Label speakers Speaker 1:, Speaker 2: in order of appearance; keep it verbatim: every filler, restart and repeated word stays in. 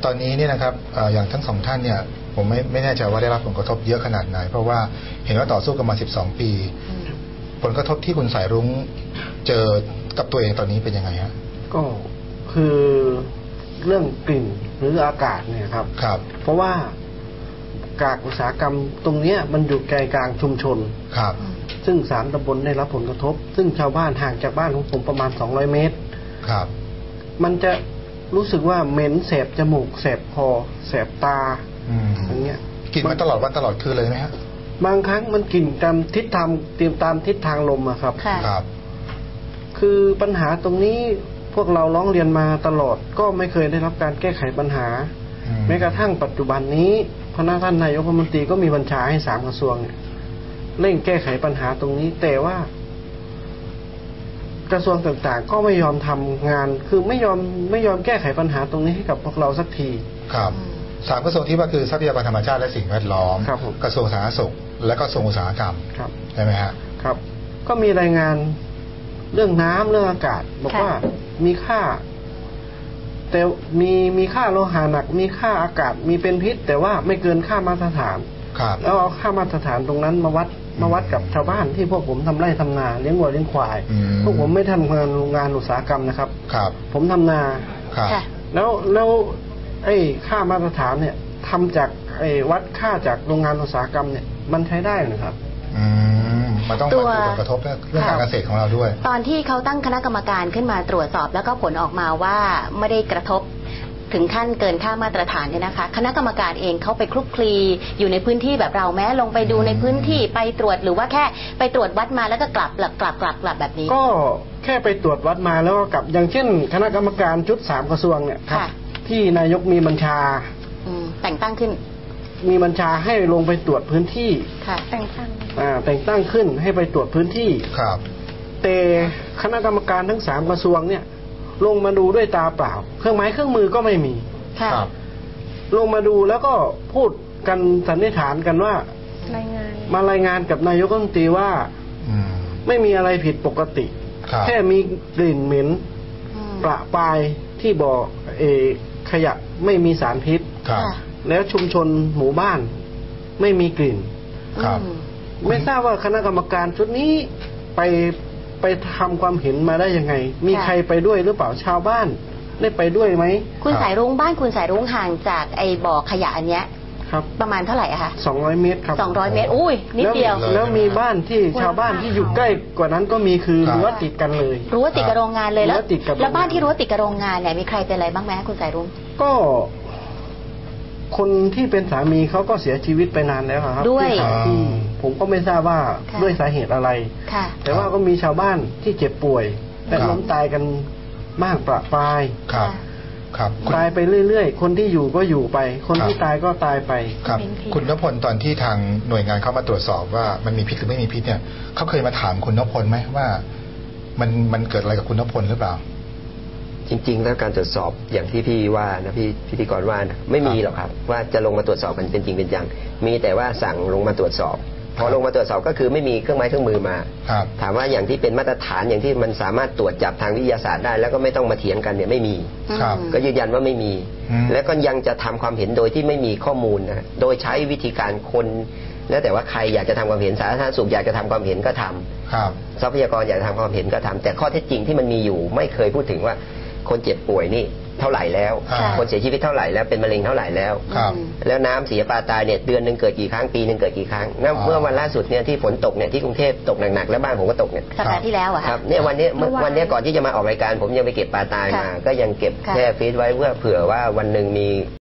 Speaker 1: ตอนนี้เนี่ยนะครับอย่างทั้งสองท่านเนี่ยผมไม่ไม่แน่ใจว่าได้รับผลกระทบเยอะขนาดไหนเพราะว่าเห็นว่าต่อสู้กันมาสิบสองปีผลกระทบที่คุณสายรุ้งเจอกับตัวเองตอนนี้เป็นยังไงฮะ
Speaker 2: ก็คือเรื่องกลิ่นหรืออากาศเนี่ยครับ
Speaker 1: ครับ
Speaker 2: เพราะว่ากากอุตสาหกรรมตรงนี้มันอยู่ใจกลางชุมชน
Speaker 1: ครับ
Speaker 2: ซึ่งสามตำบลได้รับผลกระทบซึ่งชาวบ้านห่างจากบ้านของผมประมาณสองร้อยเมตร
Speaker 1: ครับ
Speaker 2: มันจะรู้สึกว่าเหม็นแสบจมูกแสบคอแสบตาอย่างเงี้ย
Speaker 1: กลิ่นมันตลอดวันตลอดคืนเลยไหมฮะ
Speaker 2: บางครั้งมันกลิ่นตามทิศทางเตรียมตามทิศทางลมอะครับ
Speaker 1: ครับ
Speaker 2: คือปัญหาตรงนี้พวกเราร้องเรียนมาตลอดก็ไม่เคยได้รับการแก้ไขปัญหาแม้กระทั่งปัจจุบันนี้พระท่านนายกรัฐมนตรีก็มีบัญชาให้สามกระทรวงเนี่ยเร่งแก้ไขปัญหาตรงนี้แต่ว่ากระทรวงต่างๆก็ไม่ยอมทำงานคือไม่ยอมไม่ยอมแก้ไขปัญหาตรงนี้ให้กับพวกเราสักที
Speaker 1: ครับสามกระทรวงที่ว่าคือทรัพยากรธรรมชาติและสิ่งแวดล้อมกระทรวงสาธารณสุขและก็กระทรวงอุตสาหกรรมใช่ไหมฮะ
Speaker 2: ครับก็มีรายงานเรื่องน้ำเรื่องอากาศบอกว่ามีค่าแต่มีมีค่าโลหะหนักมีค่าอากาศมีเป็นพิษแต่ว่าไม่เกินค่ามาตรฐานแล้วเอาค่ามาตรฐานตรงนั้นมาวัดมาวัดกับชาวบ้านที่พวกผมทำไร่ทำนาเลี้ยงวัวเลี้ยงควายพวกผมไม่ทำงานโรงงานอุตสาหกรรมนะครับผมทำนาแล้วแล้วไอ้ค่ามาตรฐานเนี่ยทำจากไอ้วัดค่าจากโรงงานอุตสาหกรรมเนี่ยมันใช้ได้หรือครับ
Speaker 1: อืมมันต้องมาผลกระทบเรื่องการเกษตรของเราด้วย
Speaker 3: ตอนที่เขาตั้งคณะกรรมการขึ้นมาตรวจสอบแล้วก็ผลออกมาว่าไม่ได้กระทบถึงขั้นเกินค่ามาตรฐานเนี่ยนะคะคณะกรรมการเองเขาไปคลุกคลีอยู่ในพื้นที่แบบเราแม้ลงไปดูในพื้นที่ไปตรวจหรือว่าแค่ไปตรวจวัดมาแล้วก็กลับกลับกลับกลับกลับแบบนี้
Speaker 2: ก็แค่ไปตรวจวัดมาแล้วก็กลับอย่างเช่นคณะกรรมการชุดสามกระทรวงเนี่ยครับที่นายกมีบัญชา
Speaker 3: แต่งตั้งขึ้น
Speaker 2: มีบัญชาให้ลงไปตรวจพื้นที่
Speaker 3: ค่ะแต่งตั้ง
Speaker 2: อ่าแต่งตั้งขึ้นให้ไปตรวจพื้นที่
Speaker 1: ครับ
Speaker 2: แต่คณะกรรมการทั้งสามกระทรวงเนี่ยลงมาดูด้วยตาเปล่าเครื่องไม้เครื่องมือก็ไม่มี
Speaker 3: ครับ
Speaker 2: ลงมาดูแล้วก็พูดกันสันนิษฐานกันว่ารายงานมารายงานกับนายกรัฐมนตรีว่าไม่มีอะไรผิดปกติแค่มีกลิ่นเหม็นประปรายที่บ่อเอขยะไม่มีสารพิษแล้วชุมชนหมู่บ้านไม่มีกลิ่นไม่ทราบว่าคณะกรรมการชุดนี้ไปไปทำความเห็นมาได้ยังไงมีใครไปด้วยหรือเปล่าชาวบ้านได้ไปด้วยไหม
Speaker 3: คุณสายรุ้งบ้านคุณสายรุ้งห่างจากไอ้บ่อขยะอันเนี้ย
Speaker 2: ครับ
Speaker 3: ประมาณเท่าไหร่อะคะ
Speaker 2: สองร้อยเมตรครับ
Speaker 3: สองร้อยเมตรอุ้ยนิดเดียว
Speaker 2: แล้วมีบ้านที่ชาวบ้านที่อยู่ใกล้กว่านั้นก็มีคือรั้วติดกันเลย
Speaker 3: รั้วติดกับโรงงานเลยแล้วแล้วบ้านที่รั้วติดกับโรงงานเนี่ยมีใครเป็นอะไรบ้างไหมคุณสายรุ้ง
Speaker 2: ก็คนที่เป็นสามีเขาก็เสียชีวิตไปนานแล้วครับ
Speaker 3: ด้วย
Speaker 2: ผมก็ไม่ทราบว่าด้วยสาเหตุอะไรแต่ว่าก็มีชาวบ้านที่เจ็บป่วยแต่ล้มตายกันมากประปราย
Speaker 1: ครับครับ
Speaker 2: ตายไปเรื่อยๆคนที่อยู่ก็อยู่ไปคนที่ตายก็ตายไป
Speaker 1: ครับคุณณพลตอนที่ทางหน่วยงานเข้ามาตรวจสอบว่ามันมีพิษหรือไม่มีพิษเนี่ยเขาเคยมาถามคุณณพลไหมว่ามันมันเกิดอะไรกับคุณณพลหรือเปล่า
Speaker 4: จริงๆแล้วการตรวจสอบอย่างที่พี่ว่านะพี่พิธีกรว่านะไม่มีหรอกครับว่าจะลงมาตรวจสอบมันเป็นจริงเป็นจังมีแต่ว่าสั่งลงมาตรวจสอบพอลงมาตรวจสอบก็คือไม่มีเครื่องไม้เครื่องมือมาถามว่าอย่างที่เป็นมาตรฐานอย่างที่มันสามารถตรวจจับทางวิทยาศาสตร์ได้แล้วก็ไม่ต้องมาเถียงกันเนี่ยไม่มีก็ยืนยันว่าไม่มีแล้วก็ยังจะทำความเห็นโดยที่ไม่มีข้อมูลนะโดยใช้วิธีการคนแล้วแต่ว่าใครอยากจะทำความเห็นสาธารณสุขอยากจะทำความเห็นก็ทำทรัพยากรอยากจะทำความเห็นก็ทำแต่ข้อเท็จจริงที่มันมีอยู่ไม่เคยพูดถึงว่าคนเจ็บป่วยนี่เท่าไหร่แล้วคนเสียชีวิตเท่าไหร่แล้วเป็นมะเร็งเท่าไหร่แล้วแล้วน้ำเสียปลาตายเนี่ยเดือนหนึ่งเกิดกี่ครั้งปีหนึ่งเกิดกี่ครั้งเมื่อวันล่าสุดเนี่ยที่ฝนตกเนี่ยที่กรุงเทพตกหนักๆแล้วบ้านผมก็ตกเนี่ย
Speaker 3: สัปดาห์ที่แล้วอะ
Speaker 4: ครับเนี่ยวันนี้วันนี้ก่อนที่จะมาออกรายการผมยังไปเก็บปลาตายมาก็ยังเก็บแช่ฟรีซไว้เพื่อเผื่อว่าวันหนึ่งมี